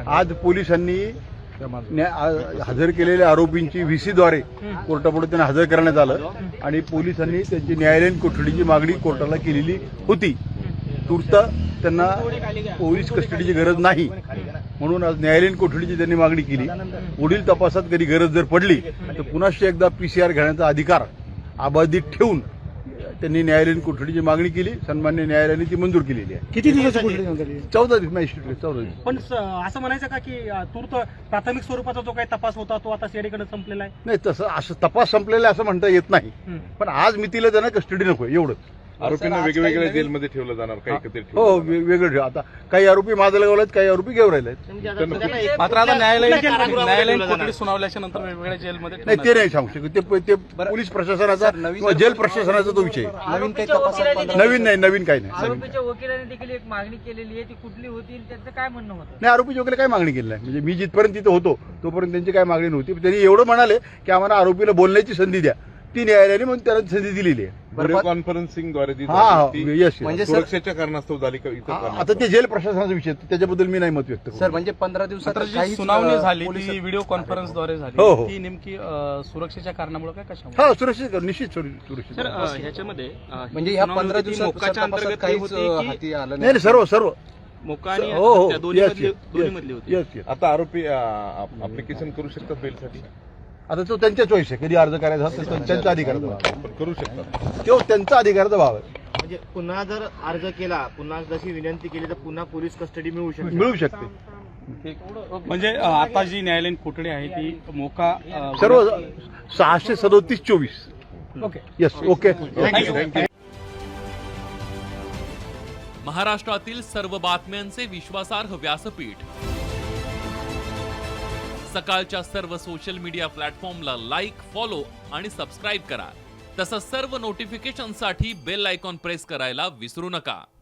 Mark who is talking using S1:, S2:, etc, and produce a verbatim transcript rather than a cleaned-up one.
S1: आज पोलिसांनी हजर केलेल्या आरोपींची व्हीसीद्वारे कोर्टापुढे त्यांना हजर करण्यात आलं आणि पोलिसांनी त्यांची न्यायालयीन कोठडीची मागणी कोर्टाला केलेली होती. तूर्त त्यांना पोलीस कस्टडीची गरज नाही म्हणून आज न्यायालयीन कोठडीची त्यांनी मागणी केली. पुढील तपासात कधी गरज जर पडली तर पुन्हा एकदा पीसीआर घेण्याचा अधिकार अबाधित ठेवून त्यांनी न्यायालयीन कोठडीची मागणी केली. सन्मान्य न्यायालयाने ती मंजूर केलेली आहे.
S2: किती दिवसाची कोठडी?
S1: चौदा दिवस मॅजिस्ट्रेट चौदा दिवस.
S2: पण असं म्हणायचं का की तूर्त प्राथमिक स्वरूपाचा जो काही तपास होता तो आता सीआयडीकडे संपलेला आहे?
S1: नाही, तसं असं तपास संपलेला असं म्हणता येत नाही. पण आज मितीला त्यांना कस्टडी नको एवढंच.
S3: आरोपींना वेगवेगळ्या जेलमध्ये ठेवलं जाणार काही एकत्रित
S1: हो वेगळं ठेव. आता काही आरोपी माजलगावला आहेत, काही आरोपी घेऊन राहिले आहेत.
S4: मात्र आता न्यायालयीन न्यायालयीन कोठडी सुनावल्याच्या नंतर वेगवेगळ्या जेलमध्ये
S1: नाही ते नाही सांगू शकत. ते ते पोलीस प्रशासनाचा किंवा जेल प्रशासनाचा तो विषय.
S4: नवीन काही तपासात
S1: नवीन नाही नवीन काही नाही.
S5: आरोपीच्या वकिलाने देखील एक मागणी केलेली आहे, ती कुठली होती त्याचं काय म्हणणं होतं?
S1: नाही आरोपी वगैरे काय मागणी केली नाही. म्हणजे मी जिथपर्यंत तिथं होतो तोपर्यंत त्यांची काय मागणी नव्हती. त्यांनी एवढं म्हणाले की आम्हाला आरोपीला बोलण्याची संधी द्या. ती न्यायालयाने म्हणून त्याला संधी दिलेली आहे.
S3: व्हिडिओ कॉन्फरन्सिंगद्वारे ती
S1: हा
S3: झाली, ती
S1: यस
S4: म्हणजे
S3: सुरक्षेच्या कारणास्तव झाली का इतर कारणास्तव?
S1: आता ते जेल प्रशासनाचा विषय आहे, त्याच्याबद्दल मी नाही मत व्यक्त
S4: सर
S1: करतो.
S4: म्हणजे पंधरा दिवसात
S6: मात्र जी
S4: काहीच,
S6: सुनावणी
S4: अ,
S6: झाली
S4: पोलिस-
S6: ती व्हिडिओ कॉन्फरन्सद्वारे झाली.
S1: हो, हो.
S6: ती नेमकी अ, सुरक्षेच्या कारणामुळे काय कशामुळे?
S1: हा सुरक्षित निश्चित सुरक्षित
S6: सर अ, ह्याच्यामध्ये अ,
S4: म्हणजे ह्या
S6: सुनावणी
S4: पंधरा
S6: होती,
S4: दिवसात
S6: मोक्काच्या
S4: तपासात
S6: अंतर्गत
S4: काहीच
S6: होती
S4: अ,
S6: की
S4: हाती आलं
S1: नाही नाही, सर्व सर्व
S6: मोक्का आणि
S1: हो हो
S6: हत्या दोन्ही
S1: येस
S6: मधली दोन्ही मधली होती.
S1: Yes yes.
S3: आता आरोपी अप्लिकेशन करू शकतात बेलसाठी?
S1: आता तो त्यांच्या चॉईस आहे. कधी अर्ज करायचा असेल तर त्यांचा अधिकाराचा भाग आहे.
S3: पण करू शकतात.
S1: तो त्यांचा अधिकाराचा भाव आहे.
S7: म्हणजे पुन्हा जर अर्ज केला, पुन्हा जशी विनंती केली तर पुन्हा पोलीस कस्टडी मिळू शकते.
S1: मिळू शकते.
S6: म्हणजे अ, आता जी न्यायालयीन कोठडी आहे ती मोका अ,
S1: सर्व सहाशे सदोतीस चोवीस.
S2: ओके.
S1: Yes okay.
S6: थँक्यू.
S8: महाराष्ट्रातील सर्व बातम्यांचे विश्वासार्ह व्यासपीठ सकाळच्या सर्व सोशल मीडिया प्लॅटफॉर्मला लाईक, फॉलो आणि सबस्क्राईब करा. तसंच सर्व नोटिफिकेशनसाठी बेल आयकॉन प्रेस करायला विसरू नका.